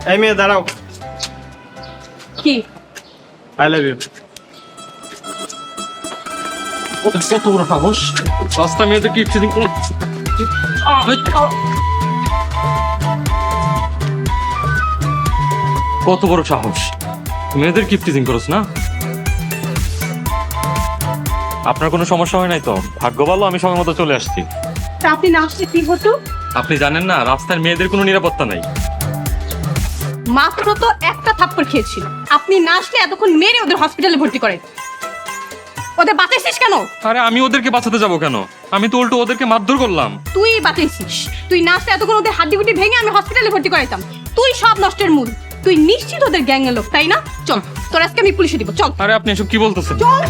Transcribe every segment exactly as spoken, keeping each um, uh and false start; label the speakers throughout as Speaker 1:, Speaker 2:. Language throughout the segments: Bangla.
Speaker 1: এই মেয়ে দাঁড়াও।
Speaker 2: কি?
Speaker 1: I love you. কত বড় সাহস, রাস্তা মেয়েদের কি চিটিং করো? কত বড় সাহস, মেয়েদের কি টিজিং করছ না? আপনার কোনো সমস্যা হয় নাই তো? ভাগ্য ভালো আমি সময় মতো চলে আসছি।
Speaker 2: তা আপনি না আসলে কি হতো?
Speaker 1: আপনি জানেন না রাস্তার মেয়েদের কোনো নিরাপত্তা নাই।
Speaker 2: মাত্র তো একটা থাপ্পড় খেয়েছিল, আপনি না আসলে এতক্ষণ মেরে ওদের হসপিটালে ভর্তি করেন। ওদের বাঁচাইছিস কেন?
Speaker 1: আরে আমি ওদেরকে বাঁচাতে যাব কেন? আমি তো উল্টো ওদেরকে মারধর করলাম।
Speaker 2: তুই বাঁচাইছিস, তুই না আসলে এতক্ষণ ওদের হাড্ডি গুটি ভেঙে আমি হসপিটালে ভর্তি করাইতাম। তুই সব নষ্টের মূল। তুই নিশ্চিত ওদের গ্যাংয়ের লোক, তাই না? চল তোর আজকে আমি পুলিশে দিব, চল।
Speaker 1: আরে আপনি এসব কি বলতেছেন?
Speaker 2: চল।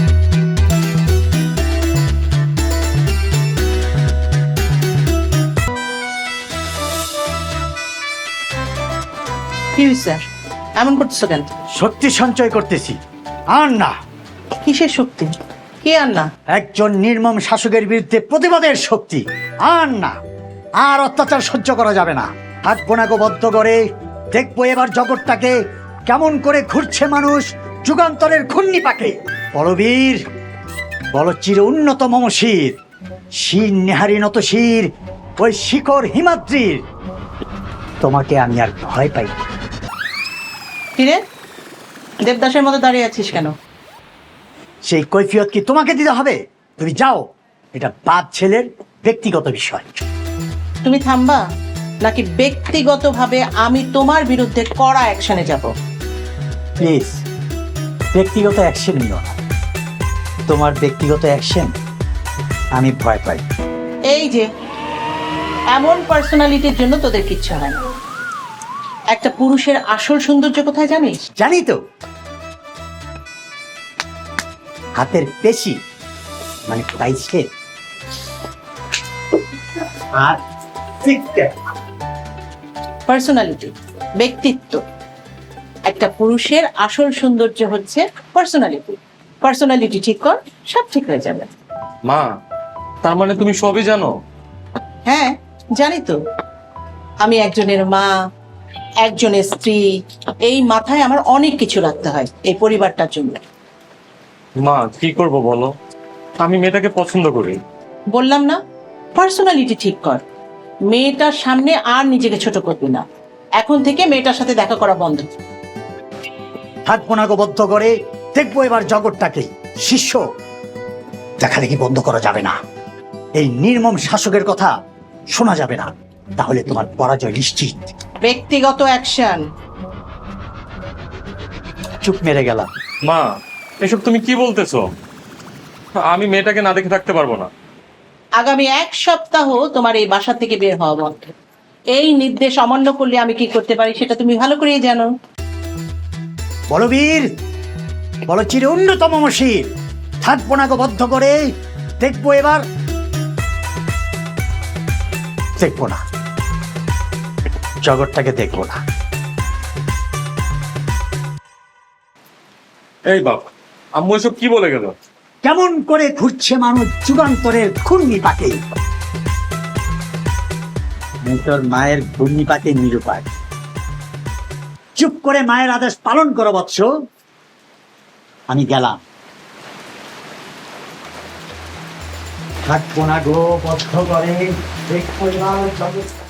Speaker 3: কি হয়েছে? এমন করতেছো কেন?
Speaker 4: শক্তি সঞ্চয় করতেছি। আর না,
Speaker 3: কিসের শক্তি? কি আর না?
Speaker 4: একজন নির্মম শাসকের বিরুদ্ধে প্রতিবাদের শক্তি। আর না, আর অত্যাচার সহ্য করা যাবে না। হাত বোনাকে বদ্ধ করে দেখবো এবার জগৎটাকে কেমন করে ঘুরছে মানুষ যুগান্তরের ঘূর্ণি পাকে। বলবীর, বল চির উন্নত মমশির, শির নেহারি নত শির, ওই শিখর হিমাদ্রির। তোমাকে আমি আর ভয় পাই না।
Speaker 3: কিরে, দেবদাসের মতো দাঁড়িয়ে আছিস কেন?
Speaker 4: সেই কৈফিয়ত কি তোমাকে দিতে হবে? তুমি যাও, এটা বাপ ছেলের ব্যক্তিগত বিষয়।
Speaker 3: তুমি থামবা নাকি ব্যক্তিগতভাবে আমি তোমার বিরুদ্ধে কড়া অ্যাকশনে যাব?
Speaker 4: প্লিজ, ব্যক্তিগত অ্যাকশন নিও না। তোমার ব্যক্তিগত অ্যাকশন আমি ভয় পাই।
Speaker 3: এই যে এমন পার্সোনালিটির জন্য তোদের কিচ্ছু হয় না। একটা পুরুষের আসল সৌন্দর্য কোথায় জানিস?
Speaker 4: জানি তো, হাতের পেশি মানে পাইছে আর
Speaker 3: পার্সোনালিটি, ব্যক্তিত্ব। একটা পুরুষের আসল সৌন্দর্য হচ্ছে পার্সোনালিটি। পার্সোনালিটি ঠিক কর, সব ঠিক হয়ে যাবে।
Speaker 1: মা, তার মানে তুমি সবই জানো?
Speaker 3: হ্যাঁ জানি তো। আমি একজনের মা, একজনের স্ত্রী, এই মাথায় আমার অনেক কিছু রাখতে হয় এই পরিবারটার জন্য।
Speaker 1: মা কি করব বলো, আমি মেয়েটাকে পছন্দ করি।
Speaker 3: বললাম না, পার্সোনালিটি ঠিক কর। মেয়েটার সামনে আর নিজেকে ছোট করবি না। এখন থেকে মেয়েটার সাথে দেখা করা বন্ধ।
Speaker 4: হাত বোনাকে বদ্ধ করে দেখবো এবার জগৎটাকে। শিষ্য দেখালে কি বন্ধ করা যাবে না। এই নির্মম শাসকের কথা শোনা যাবে না, তাহলে তোমার পরাজয় নিশ্চিত।
Speaker 3: ব্যক্তিগত অ্যাকশন।
Speaker 4: চুপ মেরে গেলাম।
Speaker 1: মা এসব তুমি কি বলতেছো? আমি মেয়েটাকে না দেখে থাকতে পারবো না।
Speaker 3: আগামী এক সপ্তাহ তোমার এই বাসা থেকে বের হওয়া বন্ধ। এই নির্দেশ অমান্য করলে আমি কি করতে পারি সেটা তুমি ভালো করেই জানো।
Speaker 4: বলবীর, বল চির উন্নত মমশির, হাত বোনাকে বদ্ধ করে দেখবো এবার। দেখবো না, জগৎটাকে দেখবো না।
Speaker 1: এই বাপ, আম্মু এসব কি বলে গেল?
Speaker 4: কেমন করে ঘুরছে মানুষ যুগান্তরের ঘূর্ণি পাকে। তোর মায়ের ঘূর্ণি পাকে নিরুপায়। চুপ করে মায়ের আদেশ পালন করো বৎস। আমি গেলাম। থাকবো না গো বদ্ধ করে দেখবো এবার জগৎ।